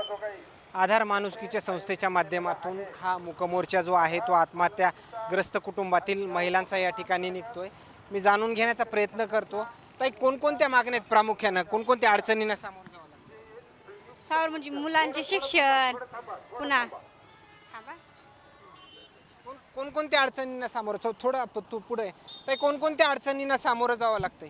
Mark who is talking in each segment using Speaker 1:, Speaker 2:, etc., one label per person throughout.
Speaker 1: आधार माणुसकीच्या संस्थेच्या माध्यमातून हा मूकमोर्चा जो आहे तो आत्महत्याग्रस्त कुटुंबातील महिलांचा या ठिकाणी निघतोय. मी जाणून घेण्याचा प्रयत्न करतो. ताई, कोणकोणत्या मागण्या आहेत प्रामुख्यानं, कोणकोणत्या अडचणींना सामोरं जावं लागतं?
Speaker 2: सावर म्हणजे मुलांचे शिक्षण पुन्हा थांबा.
Speaker 1: कोणकोणत्या अडचणींना सामोरं थोडं तू पुढे ताई, कोणकोणत्या अडचणींना सामोरं जावं लागतंय?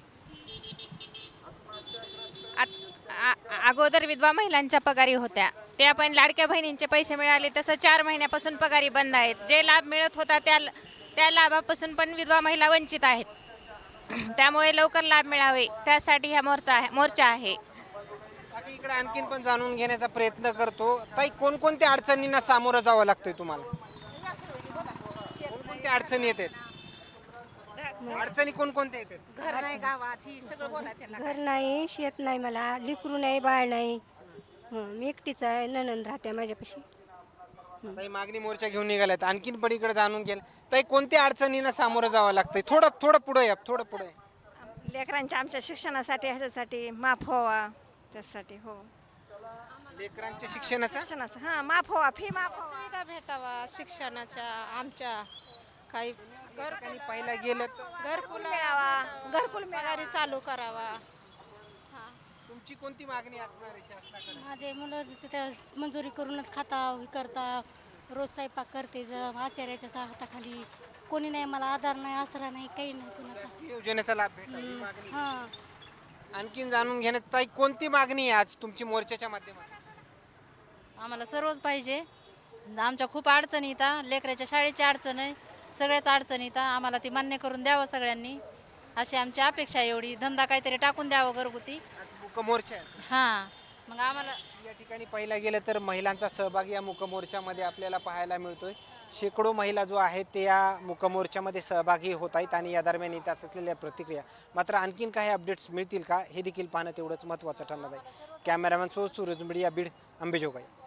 Speaker 3: अगोदर विधवा महिलांच्या पगारी होत्या, त्या पण लाडक्या बहिणींचे पैसे मिळाले तसं 4 महिन्यापासून पगारी बंद आहेत. जे लाभ मिळत होता त्या लाभापासून पण विधवा महिला वंचित आहेत. त्यामुळे लवकर लाभ मिळावे त्यासाठी हा मोर्चा आहे.
Speaker 1: बाकी इकडे आणखीन पण जाणून घेण्याचा प्रयत्न करतो. ताई, कोणकोणत्या अडचणींना सामोरं जावं लागतंय तुम्हाला? कोणकोणत्या अडचणी येतात? अडचणी कोणकोणत्या येतात?
Speaker 2: घर नाही गावात ही सगळं बोला त्याला.
Speaker 4: घर नाही, शेत नाही, मला लेकरू नाही, बाळ नाही. मी एकटीच आहे, नणंद राहते माझ्यापाशी.
Speaker 1: ताई, मागणी मोर्चा घेऊन निघाल्यात. आणखीन पण इकडे जाणून गेलं. ताई, कोणत्या अडचणींना सामोरं जावं लागतंय? थोडं पुढे या, थोडं पुढे.
Speaker 2: लेकरांच्या आमच्या शिक्षणासाठी ह्याच्यासाठी माफ व्हावा त्यासाठी. हो,
Speaker 1: लेकरांच्या शिक्षणाचा
Speaker 2: शिक्षणाचं हां माफ व्हावा, फी माफ व्हावा.
Speaker 5: सुविधा भेटावा शिक्षणाच्या आमच्या काही
Speaker 1: ठिकाणी पाहिलं गेलं तर
Speaker 2: घरकुल मिळावा, घरकुल
Speaker 5: पगारी चालू करावा.
Speaker 1: तुमची कोणती मागणी असणार आहे शासनाकडे?
Speaker 6: माझे मुलं तिथे मंजुरी करूनच खाता हे करता, रोज स्वयंपाक करते. आचार्याच्या हाताखाली कोणी नाही, मला आधार नाही, आसरा नाही, काही नाही कुणाचा.
Speaker 1: शासकीय योजनेचा लाभ भेटावा ही मागणी.
Speaker 6: हां,
Speaker 1: आणखीन जाणून घेण्यात ताई, कोणती मागणी आहे आज तुमची मोर्चाच्या माध्यमातून?
Speaker 5: आम्हाला सर्वच पाहिजे. आमच्या खूप अडचणी येतात, लेकराच्या शाळेची अडचण आहे, सगळ्याच अडचणी येतात. आम्हाला ती मान्य करून द्यावं सगळ्यांनी, अशी आमची अपेक्षा आहे. एवढी धंदा काहीतरी टाकून द्यावं घरगुती.
Speaker 1: आज मूकमोर्चा आहे.
Speaker 5: हां, मग आम्हाला
Speaker 1: या ठिकाणी पाहिलं गेलं तर महिलांचा सहभाग या मूकमोर्चामध्ये आपल्याला पाहायला मिळतोय. शेकडो महिला जो आहेत ते या मूकमोर्चामध्ये सहभागी होत आहेत आणि या दरम्यान येत असलेल्या प्रतिक्रिया मात्र आणखीन काही अपडेट्स मिळतील का हे देखील पाहणं तेवढंच महत्त्वाचं ठरणार आहे. Cameraman Suraj media, Beed, Ambejogai.